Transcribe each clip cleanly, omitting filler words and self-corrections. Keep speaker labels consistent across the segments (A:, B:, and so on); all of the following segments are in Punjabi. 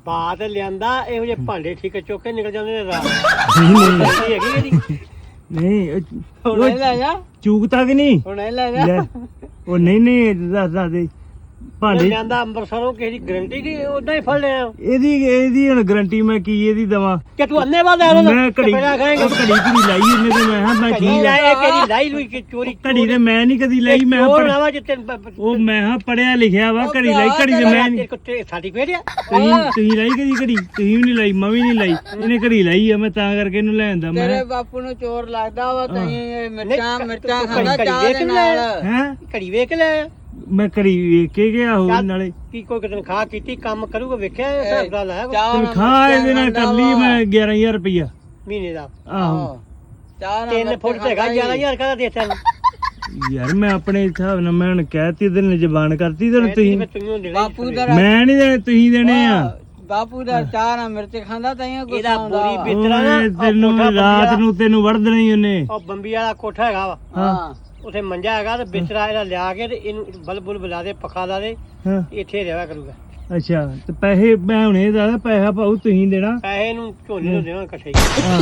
A: ਬਾਤ ਲਿਆਂਦਾ ਇਹੋ ਜਿਹੇ ਭਾਂਡੇ ਠੀਕ ਚੁੱਕ ਕੇ ਨਿਕਲ ਜਾਂਦੇ ਨੇ ਰਾਤ
B: ਨਹੀਂ
A: ਹੈਗੀ ਇਹਦੀ
B: ਨਹੀਂ
C: ਹੁਣ ਇਹ ਲੈ ਜਾ
B: ਚੂਕ ਤੱਕ ਨਹੀਂ
C: ਹੁਣ ਇਹ ਲੈ ਜਾ
B: ਲੈ ਉਹ ਨਹੀਂ ਦੱਸ ਦੇ ਭਾਂਡੇ
A: ਲਿਆਂਦਾ ਅੰਬਰਸਰੋਂ ਕਿਸੇ ਦੀ ਗਰੰਟੀ ਕੀ ਉਦਾਂ ਹੀ ਫੜ ਲਿਆ
B: ਇਹਦੀ ਹੁਣ ਗਾਰੰਟੀ ਮੈਂ ਕੀ ਇਹਦੀ ਦਵਾਂ
A: ਕਿ ਤੂੰ ਅੰਨੇ ਬਾਦ ਆ
B: ਮੈਂ ਘੜੀ ਲਾਈ ਇਹਨੇ ਤੇ ਮੈਂ ਹਾਂ ਮੈਂ
A: ਘੜੀ
B: ਠੀਕ
A: ਲਾਏ ਕਿਹੜੀ ਲਾਈ ਲੂਈ ਕਿ ਚੋਰੀ
B: ਘੜੀ ਤੇ ਮੈਂ ਨਹੀਂ ਕਦੀ ਲਈ ਮੈਂ
A: ਚੋਰ
B: ਪੜ੍ਹ-
A: ਨਾ ਵਾ ਜਿੱਤੇ
B: ਉਹ ਮੈਂ ਹਾਂ ਪੜਿਆ ਲਿਖਿਆ ਵਾ ਘੜੀ ਲਾਈ ਘੜੀ ਤੇ ਮੈਂ ਨਹੀਂ
A: ਕੁੱਤੇ ਸਰਟੀਫਿਕੇਟ ਆ
B: ਤੁਸੀਂ ਲਾਈ ਕਦੀ ਘੜੀ ਤੁਸੀਂ ਵੀ ਨਹੀਂ ਲਾਈ ਮੈਂ ਵੀ ਨਹੀਂ ਲਾਈ ਇਹਨੇ ਘੜੀ ਲਾਈ ਆ ਮੈਂ ਤਾਂ ਕਰਕੇ ਇਹਨੂੰ ਲੈ ਆਂਦਾ ਮੈਂ
C: ਤੇਰੇ ਬਾਪੂ ਨੂੰ ਚੋਰ ਲੱਗਦਾ ਵਾ ਤੈਂ ਮਿਰਚਾਂ
A: ਨਹੀਂ,
C: ਮਿਰਚਾਂ
A: ਤੂੰ
C: ਖਾਂਦਾ
A: ਘੜੀ
C: ਚਾਹ
A: ਵੇਖ
C: ਦੇ
A: ਲੈ।
C: ਨਾਲ
B: ਹੈ
A: ਘੜੀ ਵੇਖ ਕੇ ਲੈ
B: ਮੈਂ ਘੜੀ ਵੇਖ ਕੇ ਗਿਆ ਹੋ
A: ਚੱਲ।
B: ਨਾਲੇ
A: ਕੀ ਕੋਈ ਤਨਖਾਹ ਕੀਤੀ ਕੰਮ ਕਰੂਗਾ ਵੇਖਿਆ ਇਹ ਹਿਸਾਬ ਦਾ ਲਾਇਆ ਕੋਈ
C: ਚਾਹ ਨਾਲ
B: ਤਨਖਾਹ ਇਹਦੇ ਨਾਲ ਕਰ ਲਈ ਮੈਂ 11000 ਰੁਪਇਆ
A: ਮਹੀਨੇ ਦਾ
B: ਆਹੋ
C: ਚਾਹ ਨਾਲ
A: 3 ਫੁੱਟ ਤੇ ਹੈਗਾ 11000 ਕਦਾ ਦੇ ਤੈਨੂੰ
B: ਯਾਰ ਮੈਂ ਆਪਣੇ ਹਿਸਾਬ ਨਾਲ ਮੈਂ ਹੁਣ ਕਹਿਤੀ ਤੇ ਨੇ ਜ਼ਬਾਨ ਕਰਤੀ ਤੇ ਤੁਸੀਂ
C: ਬਾਪੂ ਦਾ
B: ਮੈਂ ਨਹੀਂ ਦੇਣੇ ਤੁਸੀਂ ਦੇਣੇ ਆ
C: ਬਾਪੂ ਦਾ ਚਾਹ ਨਾਲ ਮਿਰਚ ਖਾਂਦਾ ਤੈਂ ਗੁੱਸਾ
A: ਇਹਦਾ
C: ਆਉਂਦਾ
A: ਬੋਰੀ
C: ਵਾ।
A: ਬਿਸਤਰਾ ਨਾ
B: ਓਏ
A: ਉਹ
B: ਤੈਨੂੰ
A: ਕੋਠਾ
B: ਰਾਤ ਨੂੰ ਤੈਨੂੰ ਵੜ ਦੇਣਾ ਹੀ ਉਹਨੇ
A: ਉਹ ਬੰਬੀ ਵਾਲਾ ਕੋਠਾ ਹੈਗਾ ਵਾ
C: ਹਾਂ
A: ਉਥੇ ਮੰਜਾ ਹੈਗਾ ਤੇ ਬਿਸਤਰਾ ਇਹਦਾ ਲਿਆ ਕੇ ਤੇ ਇਹਨੂੰ ਬਲਬੁਲ ਬੁਲਾ ਦੇ ਪੱਖਾ ਲਾ ਦੇ
B: ਹਾਂ
A: ਇੱਥੇ ਰਹਿਆ ਕਰੂਗਾ
B: ਅੱਛਾ ਤੇ ਪੈਸੇ ਮੈਂ ਹੁਣੇ ਦਾ ਪੈਸਾ ਪਾਉ ਤੁਸੀਂ ਦੇਣਾ
A: ਪੈਸੇ ਨੂੰ ਝੋਨੇ ਨੂੰ ਦੇਣਾ ਇਕੱਠੇ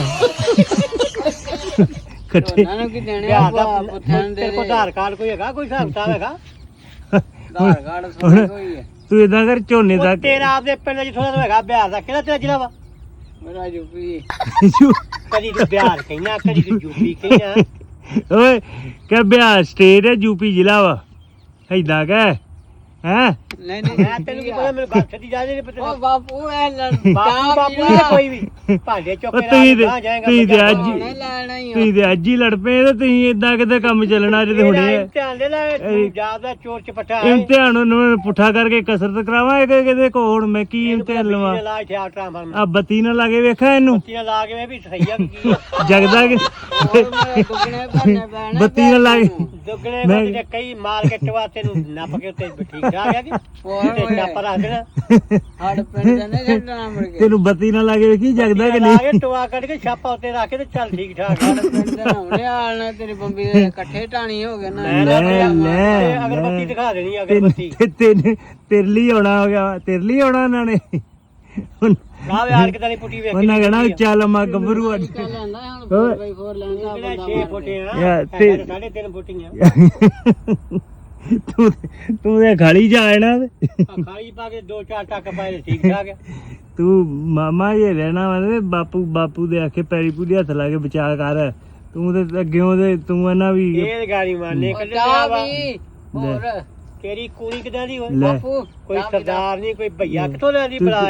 B: ਇਕੱਠੇ
C: ਉਹਨਾਂ ਨੂੰ ਕੀ ਦੇਣੇ
A: ਵਿਆਹ ਦਾ
C: ਆ ਪੁੱਠਿਆਂ ਨੂੰ ਦੇ
A: ਤੇਰੇ ਕੋਲ
C: ਦੇ
A: ਆਧਾਰ ਕਾਰਡ ਕੋਈ ਹੈਗਾ ਕੋਈ ਹਿਸਾਬ ਕਿਤਾਬ ਹੈਗਾ
C: ਆਧਾਰ ਕਾਰਡ ਸੋਹਣੀ ਹੋਈ ਹੈ
B: ਤੂੰ ਇਦਾਂ ਕਰ ਝੋਨੇ
A: ਉਹ
B: ਦਾ
A: ਤੇਰਾ ਆਪਦੇ ਪਿੰਡ ਜਿੱਥੋਂ ਦਾ ਹੈਗਾ ਬਿਹਾਰ ਦਾ ਕਿਹੜਾ ਤੇਰਾ ਜ਼ਿਲ੍ਹਾ ਵਾ
C: ਮੇਰਾ ਯੂਪੀ
A: ਕਦੀ ਤੂੰ ਬਿਹਾਰ ਕਹਿਣਾ ਕਦੀ ਤੂੰ ਯੂਪੀ ਕਹਿਣਾ
B: ਓਏ ਕਿ ਬਿਹਾਰ ਸਟੇਟ ਹੈ ਯੂਪੀ ਜ਼ਿਲ੍ਹਾ ਵਾ ਏਦਾਂ ਕਹਿ ਹੈ
C: ਨਹੀਂ ਨਹੀਂ
A: ਮੈਂ ਤੈਨੂੰ ਕੀ ਪਤਾ ਮੈਨੂੰ ਗੱਲ ਛੱਡੀ ਜਾ ਰਹੀ ਨਹੀਂ
C: ਉਹ
A: ਪਤਾ
C: ਬਾਪੂ ਇਹ
A: ਬਾਪੂ ਬਾਪੂ ਨਹੀਂ ਕੋਈ ਵੀ ਭਾਂਡੇ ਚੁੱਕ
B: ਉਹ
A: ਕੇ
B: ਤੁਸੀਂ ਤੇ
A: ਰਾਹ ਜਾਏਗਾ
B: ਤੁਸੀਂ ਤੇ ਅੱਜ
C: ਨਹੀਂ ਲੈਣਾ ਹੀ
B: ਤੁਸੀਂ ਤੇ ਅੱਜ ਹੀ ਲੜ ਪਏ ਤੇ ਤੁਸੀਂ ਏਦਾਂ ਕਿਤੇ ਕੰਮ ਚੱਲਣਾ ਜੇ ਹੁਣੇ
A: ਧਿਆਨ ਦੇ ਲੈ ਪੰਜਾਬ ਦਾ ਚੋਰ ਚਪਟਾ ਹੈ
B: ਇਮਤਿਹਾਨ ਨੂੰ ਪੁੱਠਾ ਕਰਕੇ ਕਸਰਤ ਕਰਾਵਾਂ ਇਹ ਕਿਤੇ ਕੋਣ ਮੈਂ ਕੀ ਇਮਤਿਹਾਨ ਲਵਾਂ
A: ਲਾ ਇੱਥੇ ਆ ਟਰਾਂਸਫਾਰਮਰ
B: ਆ ਬੱਤੀ ਨਾ ਲਾਗੇ ਵੇਖਾ ਇਹਨੂੰ
A: ਬੱਤੀਆਂ ਲਾ ਕੇ ਮੈਂ ਵੀ ਸਹੀ ਆ ਕੀ ਆ
B: ਜਗਦਾ ਕਿ
C: ਦੁੱਗਣੇ ਭਰਨੇ ਪੈਣੇ
B: ਬੱਤੀ ਨਾ ਲਾਗੇ
A: ਦੁੱਗਣੇ ਬੰਦੇ ਨੇ ਕਈ ਮਾਰ ਕੇ ਟਵਾ ਤੈਨੂੰ ਨੱਪ ਕੇ ਉੱਤੇ ਠੀਕ ਠਾਕ ਆ ਕਿ ਤੇ ਨੱਪ ਰੱਖ ਦੇਣਾ
C: ਹੜ ਪਿੰਡ ਦੇ ਨੇ ਛੱਡਣਾ ਮੁੜ ਕੇ
B: ਤੈਨੂੰ ਬੱਤੀ ਨਾ ਲਾਗੇ ਵੇਖੀ ਜਗਦਾ ਕਿ
A: ਲਾ
B: ਨਹੀਂ
A: ਕੇ ਟਵਾ ਕੱਢ ਕੇ ਛਾਪਾ ਉੱਤੇ ਰੱਖ ਕੇ ਤੇ ਚੱਲ ਠੀਕ ਠਾਕ
C: ਹੜ ਪਿੰਡ ਦੇ ਨਹਾਉਣੇ ਆਲਣਾ ਤੇਰੀ ਬੰਬੀ ਦੇ ਇਕੱਠੇ ਟਾਣੀ ਹੋ ਗਏ ਨਾ
B: ਲੈ
A: ਅਗਰਬੱਤੀ ਦਿਖਾ ਦੇਣੀ ਅਗਰਬੱਤੀ
B: ਤੇਰੇ ਲਈ ਆਉਣਾ ਹੋ ਗਿਆ ਤੇਰੇ ਲਈ ਆਉਣਾ ਉਹਨਾਂ ਨੇ
A: ਰਾਹ ਯਾਰ ਕਿਦਾਂ ਦੀ ਪੁੱਟੀ ਵੇਖ
B: ਉਹਨਾਂ ਕਹਿਣਾ ਚੱਲ ਮਾ ਗੱਭਰੂ ਅੱਜ
C: ਚੱਲ ਲੈਂਦਾ ਹੁਣ 4x4 ਲੈਂਦਾ
A: ਕਿਹੜਾ
C: ਬੰਦਾ
A: 6 ਫੁੱਟੇ ਆ
B: ਯਾਰ,
A: ਤੇ
B: ਤੇ-
A: 3.5 ਫੁੱਟੀਆਂ
B: ਤੂੰ ਤੂੰ ਤੇ ਖਾਲੀ ਜਾਣਾ
A: ਖਾਈ ਪਾ ਕੇ 2-4 ਟੱਕ ਪਾਏ ਤੇ ਠੀਕ ਠਾਕ ਆ
B: ਤੂੰ ਮਾਮਾ ਜੇ ਰਹਿਣਾ ਵਾ ਤੇ ਬਾਪੂ ਦੇ ਆਖੇ ਪੈਰੀ ਪੂਰੀ ਹੱਥ ਲਾ ਕੇ ਬਚਾ ਕਰ ਤੂੰ ਤੇ ਅੱਗਿਓਂ ਤੇ ਤੂੰ ਇਹਨਾਂ ਵੀ
A: ਇਹ ਗਾੜੀ ਮਾਰਨੇ ਕੱਢਿਆ
C: ਚਾਹ
A: ਵਾ
C: ਵੀ ਹੋਰ
A: ਤੇਰੀ ਕੁੜੀ ਕਿਦਾਂ ਦੀ ਹੋਈ
B: ਲੈ
C: ਬਾਪੂ
A: ਕੋਈ ਸਰਦਾਰ ਨਹੀਂ ਕੋਈ ਭਈਆ ਕਿੱਥੋਂ ਲਿਆਂਦੀ ਬਲਾ